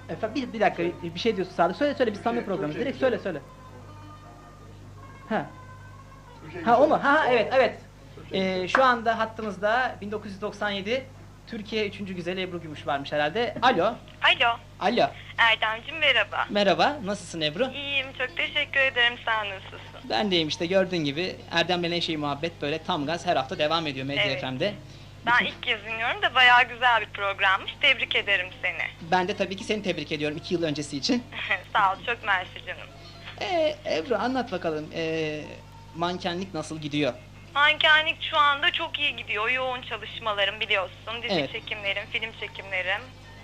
Efendim bir dakika bir şey diyorsun Sadık. Söyle biz samimi programız. Direkt söyle. Ha. Ha o mu? Ha evet. Şu anda hattımızda 1997 Türkiye 3. Güzeli Ebru Gümüş varmış herhalde. Alo. Alo. Alo. Erdemciğim merhaba. Merhaba. Nasılsın Ebru? İyiyim, çok teşekkür ederim. Sen nasılsın? Ben deyim işte gördüğün gibi Erdem'le Neşe Muhabbet böyle tam gaz her hafta devam ediyor Medya Evet. FM'de. Ben ilk kez dinliyorum da bayağı güzel bir programmış. Tebrik ederim seni. Ben de tabii ki seni tebrik ediyorum 2 yıl öncesi için. Sağ ol, çok mersi canım. Ebru anlat bakalım mankenlik nasıl gidiyor? Mankenlik şu anda çok iyi gidiyor. Yoğun çalışmalarım biliyorsun. Dizi Evet. çekimlerim, film çekimlerim.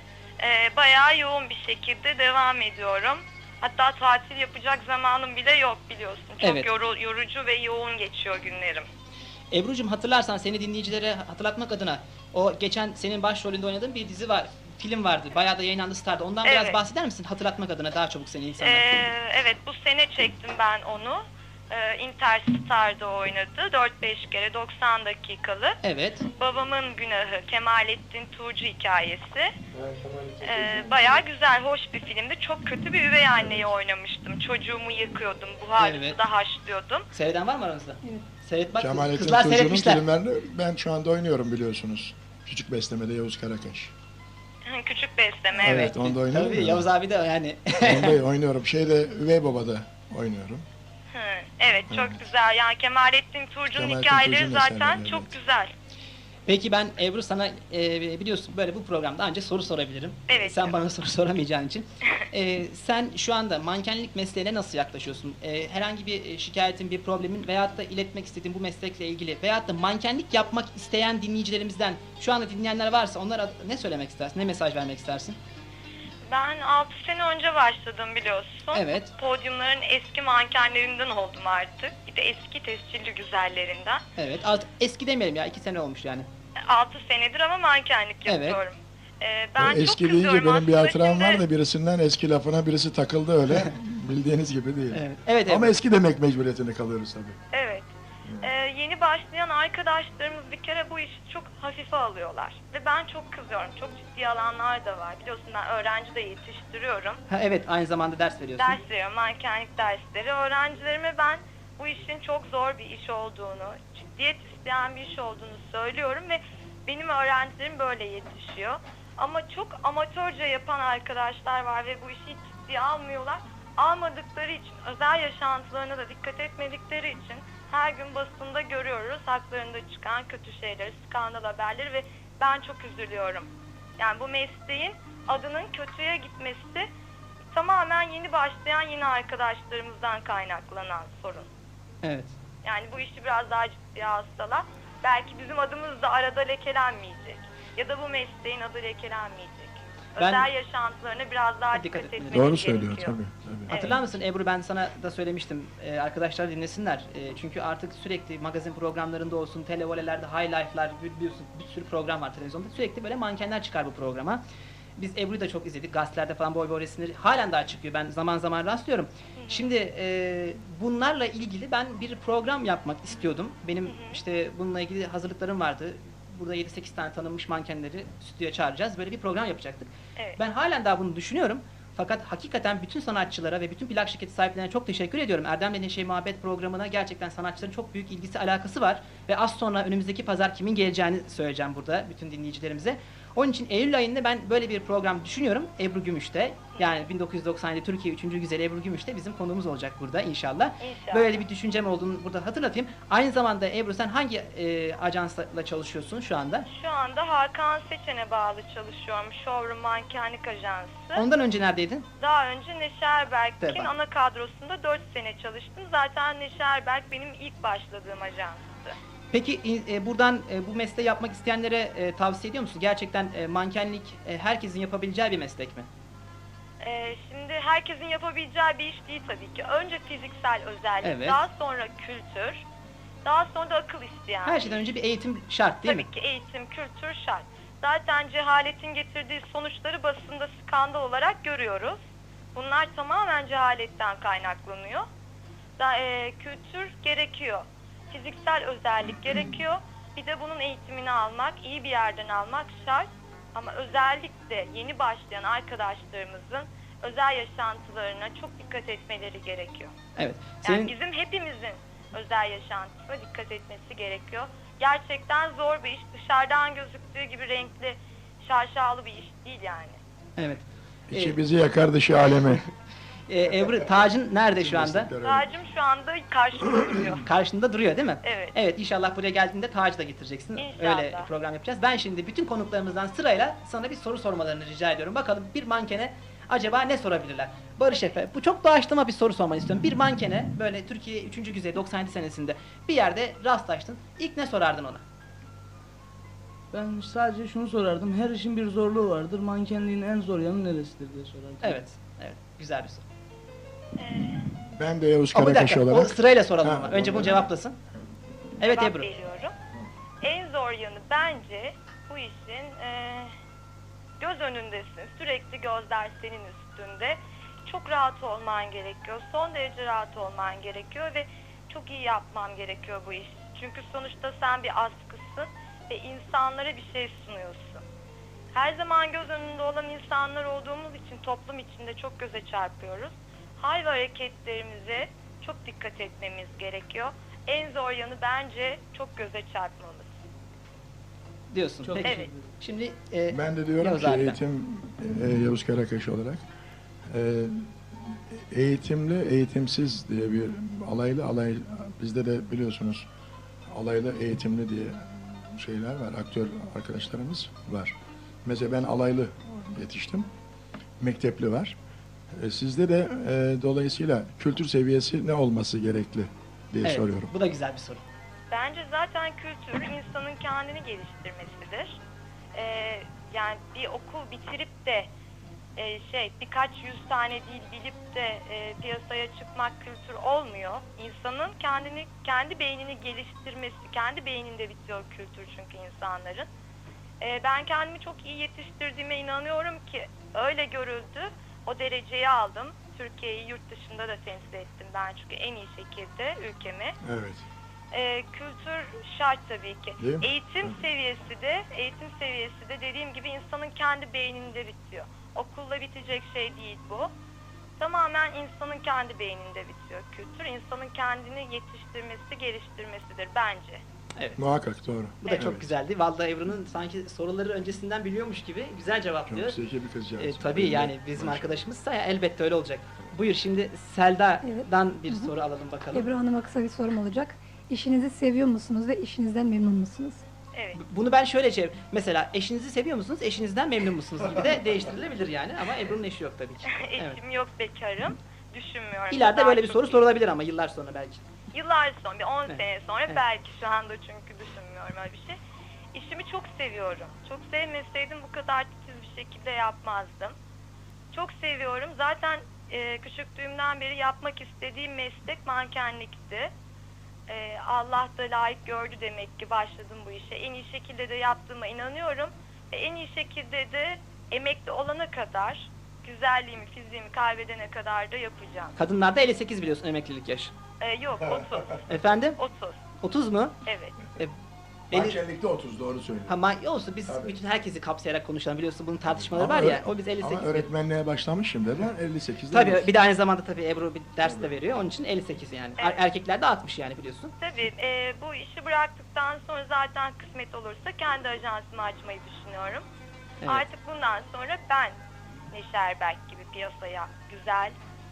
Bayağı yoğun bir şekilde devam ediyorum. Hatta tatil yapacak zamanım bile yok biliyorsun. Çok Evet. yorucu ve yoğun geçiyor günlerim. Ebru'cum hatırlarsan seni dinleyicilere hatırlatmak adına o geçen senin başrolünde oynadığın bir dizi var, film vardı. Bayağı da yayınlandı Star'da. Ondan biraz Evet. bahseder misin? Hatırlatmak adına daha çabuk seni insanlar. Evet, bu sene çektim ben onu. Interstar'da oynadı. 4-5 kere 90 dakikalı. Evet. Babamın Günahı, Kemalettin Tuğcu hikayesi. Bayağı güzel, hoş bir filmdi. Çok kötü bir üvey anneyi oynamıştım. Çocuğumu yıkıyordum, buhar Evet. suda haşlıyordum. Seyreden var mı aranızda? Seyret bak. Kemalettin Kızlar Tuğcu'nun seyretmişler. filmlerini ben şu anda oynuyorum biliyorsunuz. Küçük Besleme'de Yavuz Karakaş. Küçük besleme, evet. Evet, onda oynuyorum. Tabii ya. Yavuz abi de yani. Onda oynuyorum. Üvey Baba'da oynuyorum. Evet, çok güzel. Yani Kemalettin Tuğcu'nun Kemalettin hikayeleri Tuğcu'nun zaten eserleri, çok evet. güzel. Peki ben Ebru sana biliyorsun böyle bu programda ancak soru sorabilirim. Evet. Sen bana soru soramayacağın için. Sen şu anda mankenlik mesleğine nasıl yaklaşıyorsun? Herhangi bir şikayetin, bir problemin veyahut da iletmek istediğin bu meslekle ilgili veyahut da mankenlik yapmak isteyen dinleyicilerimizden şu anda dinleyenler varsa onlara ne söylemek istersin? Ne mesaj vermek istersin? Ben 6 sene önce başladım biliyorsun. Evet. Podyumların eski mankenlerinden oldum artık. Bir de eski tescilli güzellerinden. Evet. Eski demeyelim ya 2 sene olmuş yani. 6 senedir ama mankenlik Evet. yapıyorum. O Ben çok eski deyince kızıyorum benim bir aslında hatıram şimdi. var da birisinden eski lafına birisi takıldı öyle. Bildiğiniz gibi değil. Evet. Ama Ebru. eski demek mecburiyetinde kalıyoruz tabii. Evet. Yeni başlayan arkadaşlarımız bir kere bu işi çok hafife alıyorlar. Ve ben çok kızıyorum. Çok ciddi alanlar da var. Biliyorsun ben öğrenci de yetiştiriyorum. Ha, evet aynı zamanda ders veriyorsun. Ders veriyorum, mankenlik dersleri. Öğrencilerime ben bu işin çok zor bir iş olduğunu, ciddiyet isteyen bir iş olduğunu söylüyorum ve benim öğrencilerim böyle yetişiyor. Ama çok amatörce yapan arkadaşlar var ve bu işi hiç ciddiye almıyorlar. Almadıkları için, özel yaşantılarına da dikkat etmedikleri için her gün basında görüyoruz haklarında çıkan kötü şeyleri, skandal haberleri ve ben çok üzülüyorum. Yani bu mesleğin adının kötüye gitmesi tamamen yeni başlayan yeni arkadaşlarımızdan kaynaklanan sorun. Evet. Yani bu işi biraz daha ciddiye alsalar belki bizim adımız da arada lekelenmeyecek. Ya da bu mesleğin adı lekelenmeyecek. Ben- Özel yaşantılarına biraz daha Dikkat dikkat etmeli. etmemiz Doğru söylüyor gerekiyor. tabii. Hatırlar mısın Ebru ben sana da söylemiştim arkadaşlar dinlesinler. Çünkü artık sürekli magazin programlarında olsun, televolelerde, high life'lar biliyorsun bir sürü program var televizyonda. Sürekli böyle mankenler çıkar bu programa. Biz Ebru'yu da çok izledik. Gazetelerde falan boy boy resimleri halen daha çıkıyor. Ben zaman zaman rastlıyorum. Şimdi bunlarla ilgili ben bir program yapmak istiyordum. Benim işte bununla ilgili hazırlıklarım vardı. Burada 7-8 tane tanınmış mankenleri stüdyoya çağıracağız. Böyle bir program yapacaktık. Evet. Ben halen daha bunu düşünüyorum. Fakat hakikaten bütün sanatçılara ve bütün plak şirketi sahiplerine çok teşekkür ediyorum. Erdem'le Neşe Muhabbet programına gerçekten sanatçıların çok büyük ilgisi, alakası var. Ve az sonra önümüzdeki pazar kimin geleceğini söyleyeceğim burada bütün dinleyicilerimize. Onun için Eylül ayında ben böyle bir program düşünüyorum. Ebru Gümüş'te. Yani 1997 Türkiye 3. Güzeli Ebru Gümüş'te bizim konuğumuz olacak burada inşallah. İnşallah. Böyle bir düşüncem olduğunu burada hatırlatayım. Aynı zamanda Ebru sen hangi ajansla çalışıyorsun şu anda? Şu anda Hakan Seçen'e bağlı çalışıyorum. Showroom Mankenlik Ajansı. Ondan önce neredeydin? Daha önce Neşe Erberk'in Tabii. ana kadrosunda 4 sene çalıştım. Zaten Neşe Erberk benim ilk başladığım ajanstı. Peki buradan bu mesleği yapmak isteyenlere tavsiye ediyor musun? Gerçekten mankenlik herkesin yapabileceği bir meslek mi? Şimdi herkesin yapabileceği bir iş değil tabii ki. Önce fiziksel özellik, Evet. daha sonra kültür, daha sonra da akıl isteyen. Her şeyden önce bir eğitim şart değil Tabii mi? ki eğitim, kültür şart. Zaten cehaletin getirdiği sonuçları basında skandal olarak görüyoruz. Bunlar tamamen cehaletten kaynaklanıyor. Kültür gerekiyor. Fiziksel özellik gerekiyor. Bir de bunun eğitimini almak, iyi bir yerden almak şart. Ama özellikle yeni başlayan arkadaşlarımızın özel yaşantılarına çok dikkat etmeleri gerekiyor. Evet. Yani Senin bizim hepimizin özel yaşantısına dikkat etmesi gerekiyor. Gerçekten zor bir iş. Dışarıdan gözüktüğü gibi renkli, şaşalı bir iş değil yani. evet. İçi bizi yakar, dışı alemi. Ebru, tacın nerede şu anda? Tacım şu anda karşımda duruyor. Karşında duruyor değil mi? Evet. Evet, inşallah buraya geldiğinde tacı da getireceksin. İnşallah. Öyle program yapacağız. Ben şimdi bütün konuklarımızdan sırayla sana bir soru sormalarını rica ediyorum. Bakalım bir mankene acaba ne sorabilirler? Barış Efe, bu çok doğaçlama bir soru sormanı istiyorum. Bir mankene böyle Türkiye 3. Güzey 97 senesinde bir yerde rastlaştın. İlk ne sorardın ona? Ben sadece şunu sorardım. Her işin bir zorluğu vardır. Mankenliğin en zor yanı neresidir diye sorardım. Evet, evet. Güzel bir soru. Ben de Yavuz Ama bir Karakaş dakika, o olarak. sırayla soralım Ha, ama. Önce bunu doğru. cevaplasın. Evet Cevap Ebru. veriyorum. En zor yanı bence bu işin göz önündesin. Sürekli gözler senin üstünde. Çok rahat olman gerekiyor. Son derece rahat olman gerekiyor ve çok iyi yapman gerekiyor bu iş. Çünkü sonuçta sen bir askısın ve insanlara bir şey sunuyorsun. Her zaman göz önünde olan insanlar olduğumuz için toplum içinde çok göze çarpıyoruz. Hal ve hareketlerimize çok dikkat etmemiz gerekiyor. En zor yanı bence çok göze çarpmamız. Diyorsun. Çok Peki. Evet. Şimdi Ben de diyorum Yavuz ki abiden. eğitim, Yavuz Karakaş olarak eğitimli, eğitimsiz diye bir alay, bizde de biliyorsunuz alaylı, eğitimli diye şeyler var, aktör arkadaşlarımız var. Mesela ben alaylı yetiştim, mektepli var. Sizde de dolayısıyla kültür seviyesi ne olması gerekli diye evet, soruyorum. bu da güzel bir soru. Bence zaten kültür insanın kendini geliştirmesidir. Yani bir okul bitirip de birkaç yüz tane dil bilip de piyasaya çıkmak kültür olmuyor. İnsanın kendi beynini geliştirmesi, kendi beyninde bitiyor kültür çünkü insanların. Ben kendimi çok iyi yetiştirdiğime inanıyorum ki öyle görüldü. O dereceyi aldım. Türkiye'yi yurt dışında da temsil ettim ben çünkü en iyi şekilde ülkemi. Evet. Kültür şart tabii ki. Değil mi? Eğitim seviyesi de dediğim gibi insanın kendi beyninde bitiyor. Okulla bitecek şey değil bu. Tamamen insanın kendi beyninde bitiyor kültür. İnsanın kendini yetiştirmesi, geliştirmesidir bence. Evet. Muhakkak doğru. Bu da Evet. çok güzeldi. Vallahi Ebru'nun sanki soruları öncesinden biliyormuş gibi güzel cevaplıyor. Çok zeki bir kızcağız. Tabii yani bizim Maşallah. arkadaşımızsa ya, elbette öyle olacak. Buyur şimdi Selda'dan bir Hı hı. soru alalım bakalım. Ebru Hanım'a kısa bir sorum olacak. İşinizi seviyor musunuz ve işinizden memnun musunuz? Evet. Bunu ben şöyle mesela eşinizi seviyor musunuz, eşinizden memnun musunuz gibi de değiştirilebilir yani ama Ebru'nun eşi yok tabii ki. Evet. Eşim yok, bekarım. Düşünmüyorum. İleride Daha böyle bir çok soru iyi. sorulabilir ama yıllar sonra belki. Yıllar sonra, bir 10 Evet. sene sonra Evet. belki şu anda çünkü düşünmüyorum öyle bir şey. İşimi çok seviyorum. Çok sevmeseydim bu kadar titiz bir şekilde yapmazdım. Çok seviyorum. Zaten küçüklüğümden beri yapmak istediğim meslek mankenlikti. Allah da layık gördü demek ki başladım bu işe. En iyi şekilde de yaptığıma inanıyorum. En iyi şekilde de emekli olana kadar, güzelliğimi, fiziğimi kaybedene kadar da yapacağım. Kadınlarda 58 biliyorsun emeklilik yaşı. Yok 30. Efendim? 30. 30 mu? Evet. Mankenlikte 30 doğru söylüyor. Olsun biz Tabii. bütün herkesi kapsayarak konuşalım biliyorsun bunun tartışmaları Ama var ya. öyle- O biz 58 Ama diyoruz. öğretmenliğe başlamışım dediler 58'de. Tabii bir de aynı zamanda tabii Ebru bir ders de veriyor. Onun için 58 yani. Evet. Erkeklerde 60 yani biliyorsun. Tabii bu işi bıraktıktan sonra zaten kısmet olursa kendi ajansımı açmayı düşünüyorum. Evet. Artık bundan sonra ben Neşe Erberk gibi piyasaya güzel,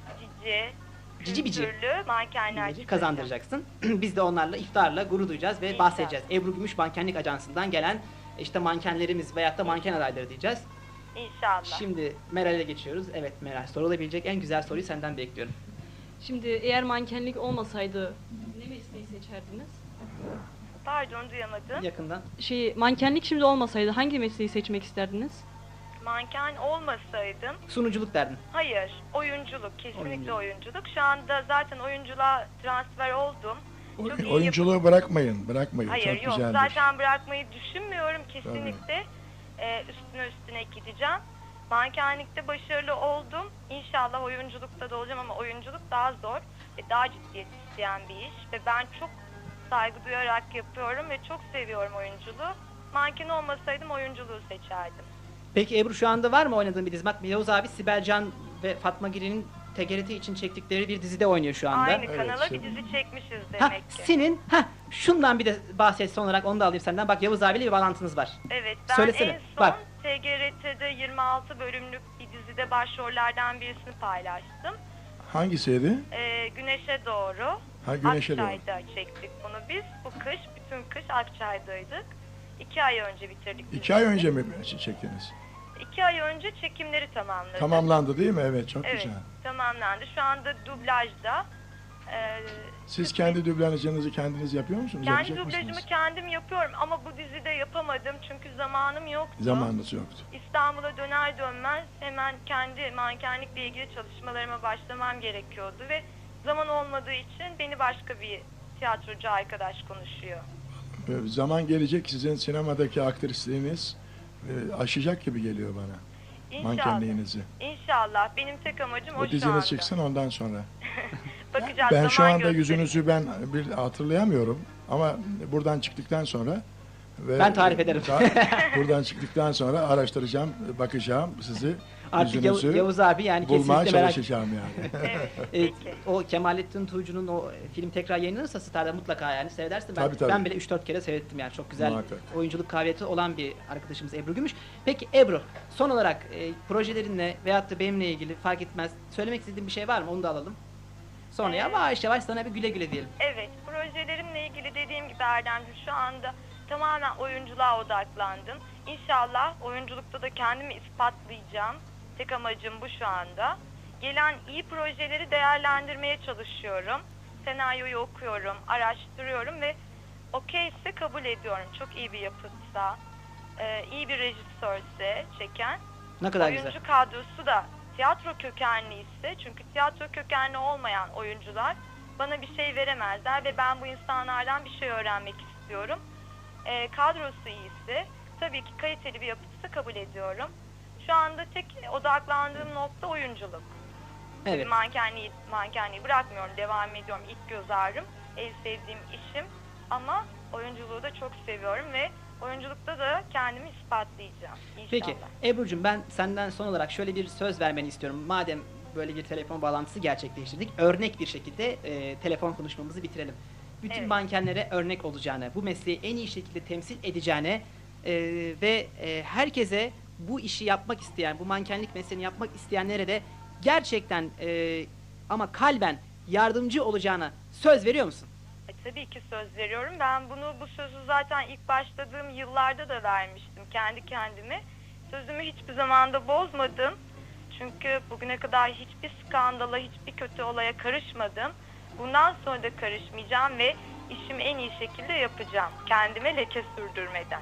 Cici bici. kültürlü mankenler çıkaracağım. Kazandıracaksın. Biz de onlarla iftarla gurur duyacağız ve İnşallah. bahsedeceğiz. Ebru Gümüş Mankenlik Ajansı'ndan gelen işte mankenlerimiz veyahut da manken adayları diyeceğiz. İnşallah. Şimdi Meral'e geçiyoruz. Evet Meral, sorulabilecek en güzel soruyu senden bekliyorum. Şimdi eğer mankenlik olmasaydı ne mesleği seçerdiniz? Pardon duyamadım. Yakından. Mankenlik şimdi olmasaydı hangi mesleği seçmek isterdiniz? Manken olmasaydım, Sunuculuk derdin. hayır, oyunculuk, kesinlikle Oyunculuk. oyunculuk. Şu anda zaten oyunculuğa transfer oldum. Çok iyi Oyunculuğu bırakmayın. Hayır Çok yok güzeldir. zaten bırakmayı düşünmüyorum kesinlikle. Üstüne gideceğim. Mankenlikte başarılı oldum. İnşallah oyunculukta da olacağım ama oyunculuk daha zor ve daha ciddiyet isteyen bir iş. Ve ben çok saygı duyarak yapıyorum ve çok seviyorum oyunculuğu. Manken olmasaydım oyunculuğu seçerdim. Peki Ebru, şu anda var mı oynadığın bir dizi? Bak, Yavuz abi Sibel Can ve Fatma Girin'in TGRT için çektikleri bir dizide oynuyor şu anda. Aynı Evet, kanala şimdi- bir dizi çekmişiz Ha, demek ki. senin şundan bir de bahset son olarak, onu da alayım senden. Bak, Yavuz abiyle bir bağlantınız var. Evet, ben Söylesene, en son bak. TGRT'de 26 bölümlük bir dizide başrollerden birisini paylaştım. Hangisiydi? Güneşe Doğru. Ha, Güneşe Doğru. Akçay'da çektik bunu biz. Bu kış, bütün kış Akçay'daydık. 2 ay önce bitirdik. 2 ay önce mi çektiniz? 2 ay önce çekimleri tamamladık. Tamamlandı değil mi? Evet, çok Evet, güzel. tamamlandı. Şu anda dublajda. Siz kendi dublajınızı kendiniz yapıyor musunuz? Kendi Yapacak dublajımı mısınız? kendim yapıyorum ama bu dizide yapamadım çünkü zamanım yoktu. Zamanınız yoktu. İstanbul'a döner dönmez hemen kendi mankenlikle ilgili çalışmalarıma başlamam gerekiyordu ve zaman olmadığı için beni başka bir tiyatrocu arkadaş konuşuyor. Zaman gelecek, sizin sinemadaki aktrisliğiniz aşacak gibi geliyor bana. İnşallah. Mankenliğinizi. İnşallah. Benim tek amacım o O şu diziniz anda. çıksın, ondan sonra. Bakacağız, Ben şu zaman anda gösterecek. yüzünüzü ben bir hatırlayamıyorum ama buradan çıktıktan sonra ve Ben tarif ederim. buradan çıktıktan sonra araştıracağım, bakacağım sizi, Artık yüzünüzü Yavuz abi yani bulmaya kesinlikle merak. çalışacağım yani. Evet, Evet, peki. o Kemalettin Tuğcu'nun o film tekrar yayınlanırsa Star'da mutlaka yani seyredersin. Tabii, tabii. Ben bile 3-4 kere seyrettim yani. Çok güzel Muhakkak. oyunculuk kabiliyeti olan bir arkadaşımız Ebru Gümüş. Peki Ebru, son olarak projelerinle veyahut da benimle ilgili fark etmez söylemek istediğin bir şey var mı? Onu da alalım. Sonra yavaş yavaş sana bir güle güle diyelim. Evet, projelerimle ilgili dediğim gibi Erdemciğim şu anda tamamen oyunculuğa odaklandım. İnşallah oyunculukta da kendimi ispatlayacağım. Tek amacım bu şu anda. Gelen iyi projeleri değerlendirmeye çalışıyorum. Senaryoyu okuyorum, araştırıyorum ve okeyse kabul ediyorum. Çok iyi bir yapıtsa, iyi bir rejisörse çeken. Ne kadar Oyuncu güzel. kadrosu da tiyatro kökenli ise, çünkü tiyatro kökenli olmayan oyuncular bana bir şey veremezler ve ben bu insanlardan bir şey öğrenmek istiyorum. Kadrosu iyiyse, tabii ki kaliteli bir yapıtsa kabul ediyorum. Şu anda tek odaklandığım nokta oyunculuk. Evet. Mankenliği bırakmıyorum, devam ediyorum. İlk göz ağrım, en sevdiğim işim ama oyunculuğu da çok seviyorum ve oyunculukta da kendimi ispatlayacağım inşallah. Peki Ebru'cum, ben senden son olarak şöyle bir söz vermeni istiyorum. Madem böyle bir telefon bağlantısı gerçekleştirdik, örnek bir şekilde telefon konuşmamızı bitirelim. Bütün Evet. mankenlere örnek olacağını, bu mesleği en iyi şekilde temsil edeceğine ve herkese bu işi yapmak isteyen, bu mankenlik mesleğini yapmak isteyenlere de gerçekten ama kalben yardımcı olacağına söz veriyor musun? Tabii ki söz veriyorum. Ben bu sözü zaten ilk başladığım yıllarda da vermiştim kendi kendime. Sözümü hiçbir zamanda bozmadım. Çünkü bugüne kadar hiçbir skandala, hiçbir kötü olaya karışmadım. Bundan sonra da karışmayacağım ve işimi en iyi şekilde yapacağım. Kendime leke sürdürmeden.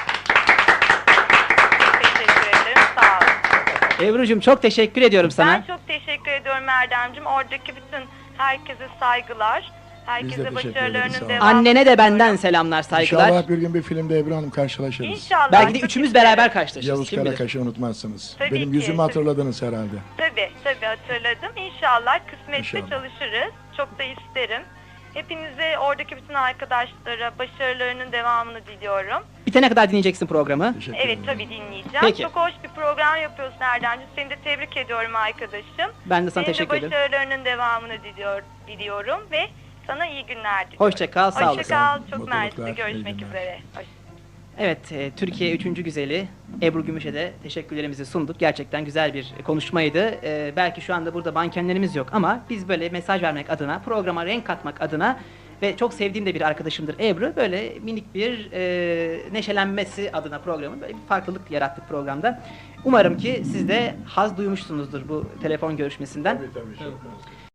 Çok teşekkür ederim. Sağ olun. Ebru'cum, çok teşekkür ediyorum sana. Ben çok teşekkür ediyorum Erdemciğim. Oradaki bütün herkese saygılar. Herkese teşekkür ederiz, sağ başarılarının olun. devamını Annene de benden diliyorum. selamlar, saygılar. İnşallah bir gün bir filmde Ebru Hanım karşılaşırız. İnşallah. Belki de çok üçümüz isterim. beraber karşılaşırız. Yavuz kim bilir. Karakaş'ı unutmazsınız. Tabii Benim ki, yüzümü tabii. hatırladınız herhalde. Tabii hatırladım. İnşallah kısmetse İnşallah. çalışırız. Çok da isterim. Hepinize, oradaki bütün arkadaşlara başarılarının devamını diliyorum. Bitene kadar dinleyeceksin programı. Teşekkür Evet, ederim. tabii dinleyeceğim. Peki. Çok hoş bir program yapıyorsun Erdemciğim. Seni de tebrik ediyorum arkadaşım. Ben de sana Senin teşekkür de ederim. başarılarının devamını diliyorum ve sana iyi günler diliyorum. Hoşça kal, sağ olasın. Hoşça kal. Çok Mutluluklar, mersi. iyi Görüşmek günler. üzere. Evet, Türkiye 3. güzeli Ebru Gümüş'e de teşekkürlerimizi sunduk. Gerçekten güzel bir konuşmaydı. Belki şu anda burada mankenlerimiz yok ama biz böyle mesaj vermek adına, programa renk katmak adına ve çok sevdiğim de bir arkadaşımdır Ebru. Böyle minik bir neşelenmesi adına programın böyle bir farklılık yarattık programda. Umarım ki siz de haz duymuşsunuzdur bu telefon görüşmesinden. Tabii, çok.